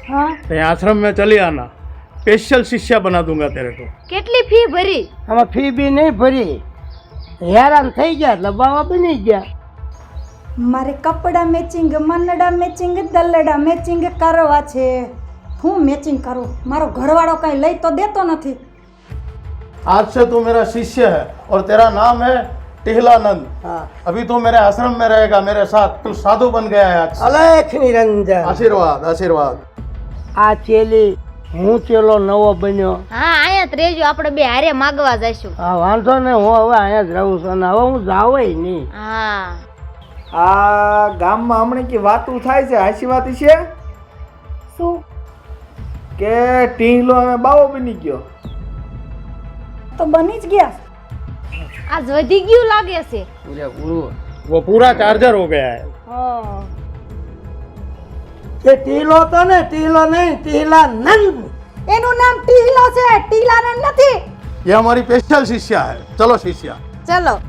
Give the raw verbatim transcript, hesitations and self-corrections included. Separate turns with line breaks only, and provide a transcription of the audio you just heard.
हाँ
तो आश्रम में चली आना, स्पेशल शिष्या बना दूंगा तेरे को।
કેટલી ફી ભરી?
આમાં ફી બી નહીં ભરી, હેરાન થઈ ગયા એટલે બાવા બની ગયા.
મારે કપડા મેચિંગ, મનડા મેચિંગ, દલડા મેચિંગ કરવા છે. હું મેચિંગ કરું? મારો ઘરવાળો કઈ લઈ તો દેતો નથી.
आज से तू मेरा शिष्य है और तेरा नाम है टिहलानंद।
હા
अभी तू मेरे आश्रम में रहेगा मेरे साथ। तू साधु बन गया है आज से।
અલેખ નિરંજન.
आशीर्वाद आशीर्वाद।
આ ચેલી હું ચેલો નવો બન્યો.
હા અહીંયા જ રહેજો, આપણે બે હારે માગવા જઈશું.
હા વાંધો ને, હું હવે અહીંયા જ રહું છું ને હવે હું જાવય નહીં.
હા
આ ગામમાં હમણાં કે વાતું થાય છે, હાચી વાત છે
શું?
કે ટીંગલો અમે બાવો બની ગયો.
તો બની જ ગયા.
આજ વધી ગયું લાગે છે.
પૂરેપૂરું.
वो पूरा चार्जर हो गया है।
હા
એ ટીલો તો ને, ટીલો નહીં, ટીલાનંદ.
એનું નામ ટીલો છે, ટીલાનંદ નથી.
ये हमारी स्पेशल शिष्या है। चलो शिष्या।
ચલો